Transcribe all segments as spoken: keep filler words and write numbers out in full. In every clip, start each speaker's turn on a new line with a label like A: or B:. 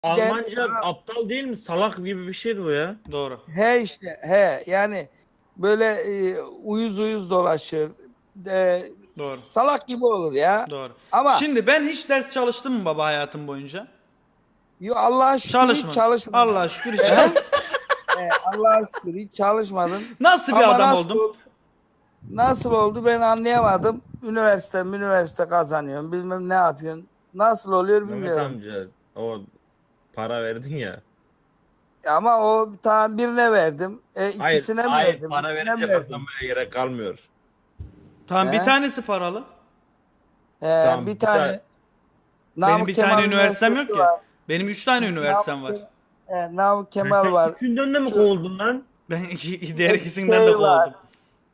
A: gider.
B: Almanca aptal değil mi? Salak gibi bir şeydi bu ya.
C: Doğru.
A: He işte he yani böyle e, uyuz uyuz dolaşır. E,
C: Doğru.
A: salak gibi olur ya.
C: Doğru.
A: Ama
C: Şimdi ben hiç ders çalıştım mı baba hayatım boyunca?
A: yo, Allah'a şükür hiç
C: Çalışmadım.
A: çalışmadım.
C: Allah'a şükür hiç çalışmadım.
A: He, Allah'a şükür hiç çalışmadım.
C: Nasıl bir
A: Ama
C: adam
A: nasıl
C: oldum?
A: oldu, nasıl oldu ben anlayamadım. Üniversite üniversite kazanıyorum bilmem ne yapıyorsun. Nasıl oluyor
B: Mehmet
A: bilmiyorum.
B: amca o para verdin ya.
A: Ama o tamam birine verdim. E,
B: Hayır,
A: ikisine mi
B: hayır
A: verdim?
B: para
A: Üçüne
B: verince
A: mi verdim?
B: kazanmaya gerek kalmıyor.
C: Tamam bir
A: He?
C: tanesi paralı.
A: He,
B: Tamam,
A: bir
B: bir
A: tane
B: tane-
C: Benim
A: Namık
C: bir
A: Kemal
C: tane üniversitem
A: Üniversitesi
C: yok ki.
A: var.
C: Benim üç tane üniversitem var.
A: Namık, Ke- he, Namık
B: Sen
A: Kemal var.
B: üçünden de mi
A: Şu-
B: kovuldun lan?
C: Ben iki, diğer ikisinden de
A: Şey var.
C: kovuldum.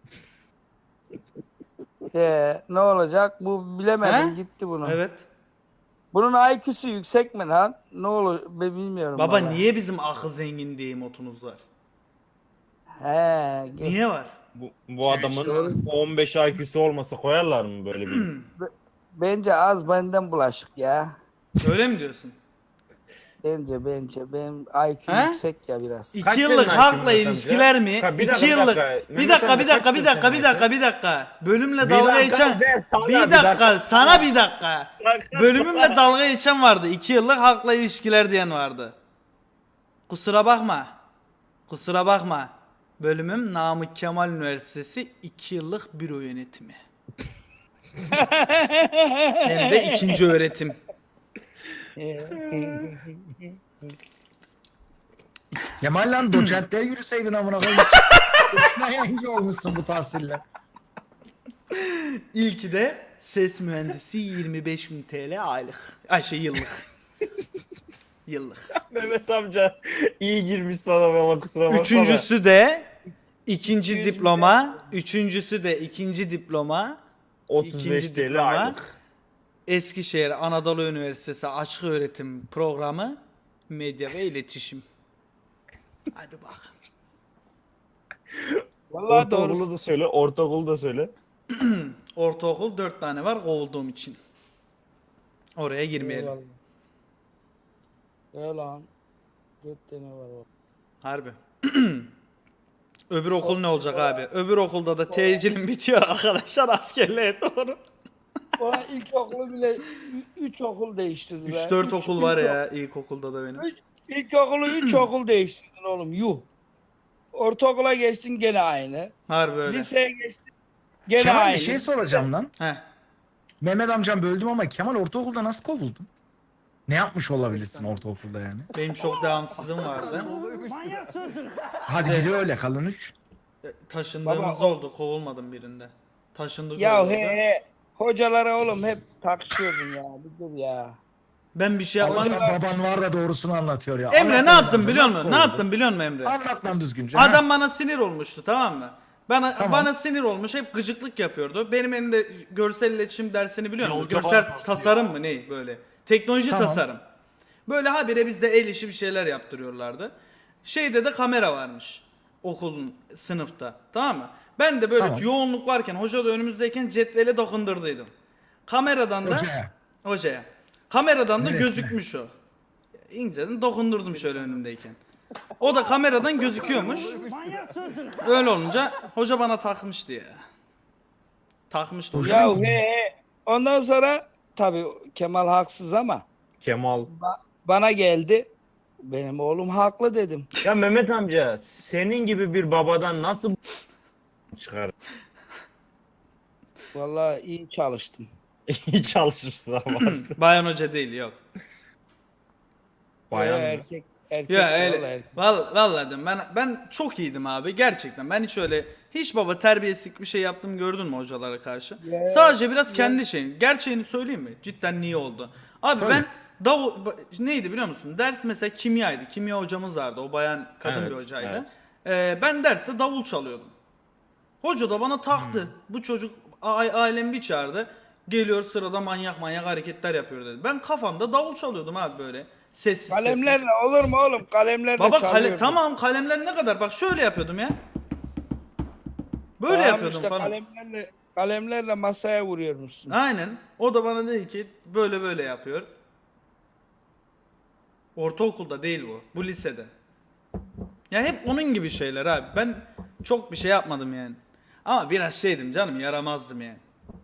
A: He, ne olacak? Bu bilemedim
C: He?
A: gitti bunu.
C: Evet.
A: Bunun I Q'su yüksek mi lan? Ne olur ben bilmiyorum.
C: Baba
A: vallahi.
C: niye bizim akıl zengin diye motumuz var?
A: He, ge-
C: Niye var?
B: Bu, bu adamın on beş I Q'su olmasa koyarlar mı böyle bir?
A: bence az benden bulaşık ya.
C: Öyle mi diyorsun?
A: Bence bence benim I Q
C: He?
A: yüksek ya biraz.
C: İki
B: Kaç
C: yıllık
B: senin
C: halkla
B: I Q'un Mehmet
C: ilişkiler
B: amca?
C: mi?
B: Ha, bir
C: İki
B: dakika, bir
C: yıllık.
B: dakika.
C: Bir
B: Mehmet
C: dakika,
B: amca
C: bir dakika,
B: kaç
C: bir dakika,
B: senin
C: bir dakika, bir dakika. Bölümle
B: Bir
C: dalga
B: dakika
C: geçen.
B: de, sana
C: Bir
B: bir
C: dakika,
B: dakika.
C: sana bir dakika. Bölümümle dalga geçen vardı. İki yıllık halkla ilişkiler diyen vardı. Kusura bakma. Kusura bakma. Bölümüm Namık Kemal Üniversitesi iki yıllık büro yönetimi. Hem de ikinci öğretim.
D: Kemal lan doçentlere yürüseydin amına koyayım. Boşuna yayıncı olmuşsun bu tahsille.
C: İlki de ses mühendisi yirmi beş bin T L aylık. Ay şey yıllık. Yıllık.
B: Mehmet amca iyi girmiş sana ama kusura bakma.
C: Üçüncüsü de ikinci
A: iki yüz
C: diploma. Üçüncüsü de ikinci diploma.
B: otuz beş
C: ikinci
B: T L
C: diploma.
B: aylık.
C: Eskişehir Anadolu Üniversitesi Açık Öğretim Programı Medya ve İletişim. Hadi bak.
A: Vallahi doğru.
B: Ortaokulu da söyle, ortaokulu da söyle.
C: Ortaokul dört tane var kovulduğum için. Oraya girmeyelim.
A: Eyvallah. Ya lan. Dört tane var o.
C: Harbi. Öbür okul ne olacak abi? Öbür okulda da tecilim bitiyor arkadaşlar askerliğe doğru.
A: Ona ilkokulu bile ü- üç okul değiştirdi be.
C: üç dört
A: Üç-
C: okul
A: üç
C: var
A: ok-
C: ya ilkokulda da benim.
A: Üç, ilkokulu üç okul değiştirdin oğlum yuh. Ortaokula geçtin gene aynı.
C: Harbi öyle.
A: Liseye geçtin gene
D: Kemal
A: aynı.
D: bir şey soracağım lan.
C: Heh.
D: Mehmet amcam böldüm ama Kemal ortaokulda nasıl kovuldun? Ne yapmış olabilirsin ortaokulda yani?
C: Benim çok devamsızlığım vardı.
D: Hadi biri öyle kalın üç.
C: E, Taşındığımız
A: Baba, o-
C: oldu. Kovulmadım birinde. Taşındık
A: Ya
C: oldu.
A: he he. Hocalara oğlum hep tartışıyordun ya. Bir dur ya.
C: Ben bir şey yapmadım.
D: Allah'tan baban var da doğrusunu anlatıyor ya.
C: Emre
D: Anlat
C: ne yaptın
D: amca,
C: biliyor
D: nasıl
C: musun? Ne
D: kovuldun?
C: yaptın biliyor musun Emre?
D: Anlat lan düzgünce.
C: Adam
D: ha.
C: bana sinir olmuştu tamam mı? Bana
D: Tamam.
C: bana sinir olmuş hep gıcıklık yapıyordu. Benim elimde görsel iletişim dersini biliyor musun?
E: Yolcu
C: Görsel
E: bağlantısı
C: tasarım mı ne böyle? Teknoloji
D: Tamam.
C: tasarım. Böyle habire bizde el işi bir şeyler yaptırıyorlardı. Şeyde de kamera varmış okulun sınıfta tamam mı? Ben de böyle
D: Tamam.
C: yoğunluk varken hoca da önümüzdeyken cetvele dokundurduydım. Kameradan da
D: Hocaya.
C: hocaya. Kameradan da
D: Neresine?
C: gözükmüş o. İnceden dokundurdum şöyle önümdeyken. O da kameradan gözüküyormuş. Öyle olunca hoca bana takmıştı ya. Takmıştı hoca.
A: Ya he he. Ondan sonra tabii Kemal haksız ama
B: Kemal.
A: ba- bana geldi. Benim oğlum haklı dedim.
B: Ya Mehmet amca senin gibi bir babadan nasıl çıkar?
A: Vallahi iyi çalıştım.
B: İyi çalışmışsın ama.
C: Bayan hoca değil yok.
B: Bayan
A: Ee,
B: mı?
A: erkek erkek.
C: Ya
A: vallahi
C: öyle.
A: erkek.
C: Vallahi, vallahi diyorum, ben ben çok iyiydim abi gerçekten. Ben hiç öyle hiç baba terbiyesizlik bir şey yaptım gördün mü hocalara karşı?
A: Ya,
C: Sadece biraz kendi şeyim. Gerçeğini söyleyeyim mi? Cidden niye oldu? Abi
D: Söyle.
C: ben davul ba- neydi biliyor musun? Ders mesela kimyaydı. Kimya hocamız vardı. O bayan kadın
B: Evet,
C: bir hocaydı.
B: evet.
C: Ee, ben derste davul çalıyordum. Hoca da bana taktı.
B: Hmm.
C: Bu çocuk a- ailemi bir çağırdı. Geliyor sırada manyak manyak hareketler yapıyor dedi. Ben kafamda davul çalıyordum abi böyle. Sessiz sessiz.
A: Kalemlerle olur mu oğlum? Kalemlerle
C: Baba kale,
A: çalıyordum.
C: tamam kalemler ne kadar? Bak şöyle yapıyordum ya. Böyle
A: Tamam
C: yapıyordum
A: işte
C: falan.
A: Kalemlerle, kalemlerle masaya vuruyormuşsun.
C: Aynen. O da bana dedi ki böyle böyle yapıyor. Ortaokulda değil bu. Bu lisede. Ya hep onun gibi şeyler abi. Ben çok bir şey yapmadım yani. Ama biraz şeydim canım, yaramazdım yani.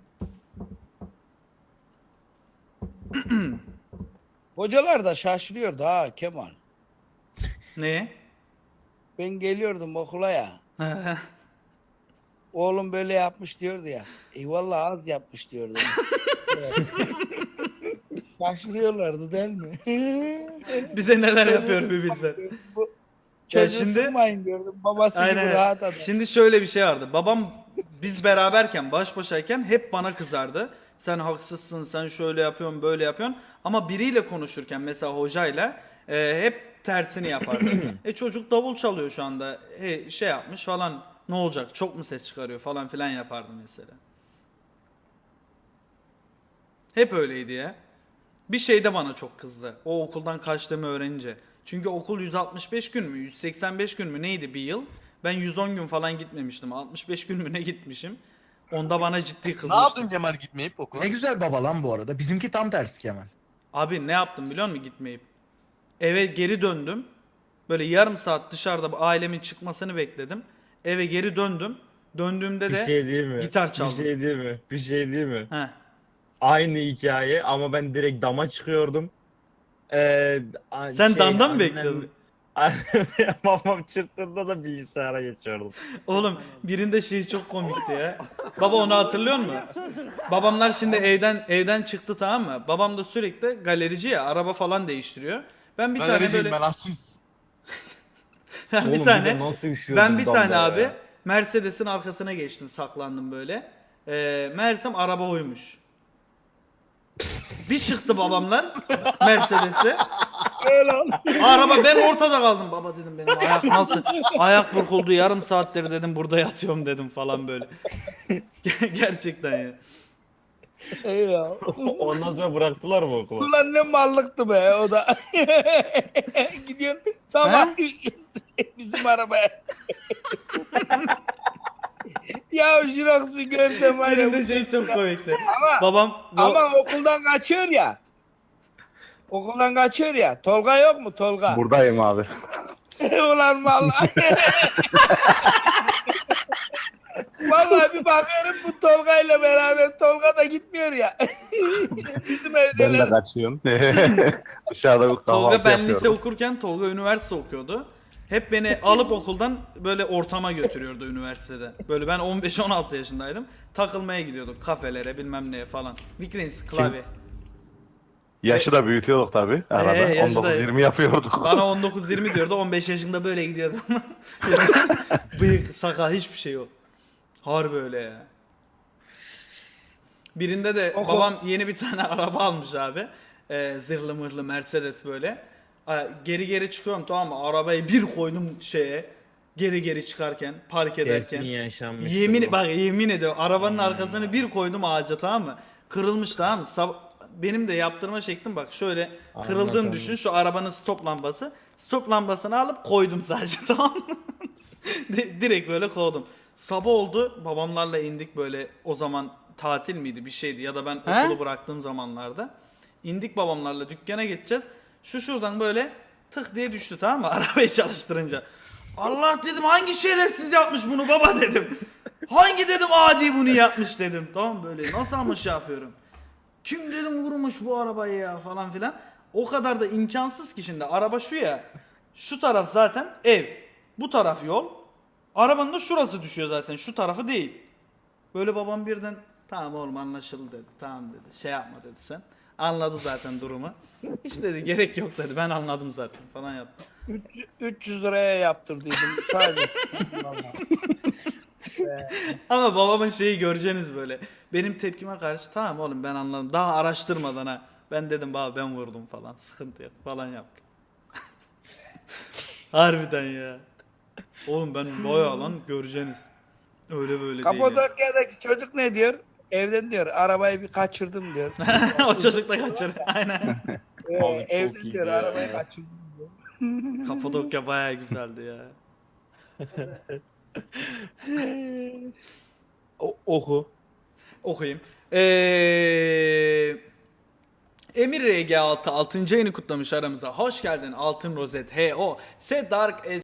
A: Hocalar da şaşırıyordu ha Kemal.
C: Neye?
A: Ben geliyordum okula ya. Oğlum böyle yapmış diyordu ya. Eyvallah az yapmış diyordu. Şaşırıyorlardı değil mi?
C: Bize neler
A: Çocuğu
C: yapıyor bir
A: sıkmayın
C: bilsen.
A: diyordum. Bu-
C: Ya
A: Çocuğu
C: şimdi-
A: sıkmayın diyordum. Babası gibi
C: Aynen.
A: rahat adam.
C: Şimdi şöyle bir şey vardı. Babam biz beraberken, baş başayken hep bana kızardı. Sen haksızsın, sen şöyle yapıyorsun, böyle yapıyorsun. Ama biriyle konuşurken, mesela hocayla e, hep tersini yapardı. e çocuk davul çalıyor şu anda. E, şey yapmış falan. Ne olacak? Çok mu ses çıkarıyor falan filan yapardı mesela. Hep öyleydi ya. Bir şey de bana çok kızdı. O okuldan kaçtığımı öğrenince. Çünkü okul yüz altmış beş gün mü, yüz seksen beş gün mü neydi bir yıl? Ben yüz on gün falan gitmemiştim. altmış beş gün mü ne gitmişim? Onda bana ciddi
E: Ne
C: kızmıştı.
E: yaptın Kemal gitmeyip okula?
D: Ne güzel baba lan bu arada. Bizimki tam tersi Kemal.
C: Abi ne yaptım biliyor musun gitmeyip? Eve geri döndüm. Böyle yarım saat dışarıda ailemin çıkmasını bekledim. Eve geri döndüm. Döndüğümde
B: Bir
C: de
B: şey değil mi?
C: gitar çaldım.
B: Bir şey değil mi? Bir şey değil mi?
C: Heh.
B: Aynı hikaye ama ben direkt dama çıkıyordum. Ee, a-
C: Sen damda mı
B: annem-
C: bekliyordun?
B: Annem babam çıktığında da bilgisayara geçiyordum.
C: Oğlum birinde şey çok komikti ya. Baba onu hatırlıyor musun? Babamlar şimdi evden evden çıktı, tamam mı? Babam da sürekli galerici ya, araba falan değiştiriyor. Ben bir tane
E: Galericiyim
C: böyle
E: ben atsız.
C: ben
B: Oğlum
C: bir tane
B: de nasıl üşüyordum
C: ben bir
B: damda
C: tane
B: ya.
C: abi Mercedes'in arkasına geçtim, saklandım böyle. Ee, meğersem araba oymuş. Bir çıktı babamlar Mercedes'e. Araba, ben ortada kaldım. Baba dedim, benim ayak nasıl? Ayak burkuldu, yarım saattir dedim burada yatıyorum dedim falan böyle. Gerçekten ya.
A: Ey ya.
B: Ondan sonra bıraktılar mı okulu?
A: Ulan ne mallıktı be o da. Gidiyor. Tamam. Bizim arabaya. Ya Jirox bir görsem var ya.
C: Birinde şey çok komikti.
A: Ama,
C: Babam bu-
A: ama okuldan kaçıyor ya. Okuldan kaçıyor ya. Tolga yok mu Tolga?
F: Buradayım abi.
A: Ulan vallahi. Vallahi bir bakıyorum bu Tolga ile beraber, Tolga da gitmiyor ya. Bizim
F: Ben de
A: evdeler.
F: kaçıyorum. Dışarıda bir kahvaltı
C: Tolga ben
F: yapıyorum.
C: lise okurken Tolga üniversite okuyordu. Hep beni alıp okuldan böyle ortama götürüyordu üniversitede. Böyle ben on beş on altı yaşındaydım. Takılmaya gidiyorduk kafelere bilmem neye falan. Vikrins klavye.
F: Yaşı da büyütüyorduk tabii. Arada
C: Ee, yaşı da-
F: on dokuz yirmi yapıyorduk.
C: Bana on dokuz yirmi diyordu, on beş yaşında böyle gidiyordu. Bıyık, sakal, hiçbir şey yok. Harbi öyle ya. Birinde de
A: Oku.
C: babam yeni bir tane araba almış abi. Ee, zırhlı mırhlı Mercedes böyle. Aa, Geri geri çıkıyorum, tamam mı? Arabayı bir koydum şeye. Geri geri çıkarken, park ederken.
B: Kesin yaşanmış.
C: Yemin bak yemin ediyorum arabanın arkasını bir koydum ağaca, tamam mı? Kırılmış, tamam mı? Sab- benim de yaptırma şeklim bak şöyle kırıldığını
B: Anladım.
C: düşün, şu arabanın stop lambası. Stop lambasını alıp koydum sadece tamam mı? Di- Direkt böyle koydum. Sabah oldu, babamlarla indik böyle, o zaman tatil miydi bir şeydi ya da ben
A: He?
C: okulu bıraktığım zamanlarda. İndik babamlarla, dükkana geçeceğiz. Şu şuradan böyle tık diye düştü, tamam mı? Arabayı çalıştırınca. Allah dedim, hangi şerefsiz yapmış bunu baba dedim. Hangi dedim adi bunu yapmış dedim. Tamam böyle nasıl ama şey yapıyorum. Kim dedim vurmuş bu arabayı ya falan filan. O kadar da imkansız ki, şimdi araba şu ya. Şu taraf zaten ev. Bu taraf yol. Arabanın da şurası düşüyor zaten. Şu tarafı değil. Böyle babam birden tamam oğlum anlaşıldı dedi. Tamam dedi. Şey yapma dedi sen. Anladı zaten durumu. Hiç dedi gerek yok dedi. Ben anladım zaten falan yaptı.
A: üç yüz liraya yaptırdıydım sadece.
C: Ama babamın şeyi göreceğiniz böyle. Benim tepkime karşı tamam oğlum ben anladım. Daha araştırmadan ha. Ben dedim baba ben vurdum falan. Sıkıntı yok falan yaptı. Harbiden ya. Oğlum ben bayağı lan göreceğiniz. Öyle böyle değil. yani.
A: Kapadokya'daki çocuk ne diyor? Evden diyor arabayı bir kaçırdım diyor.
C: O çocuk da kaçır. Aynen.
A: Ee,
B: Abi çok
A: evden
B: iyiydi
A: diyor
B: ya.
A: arabayı kaçırdım diyor.
C: Kapadokya bayağı güzeldi ya.
B: O- oku.
C: Okuyayım. Ee, Emir R G altı altıncı ayını kutlamış aramıza. Hoş geldin Altın Rozet H O. Se Dark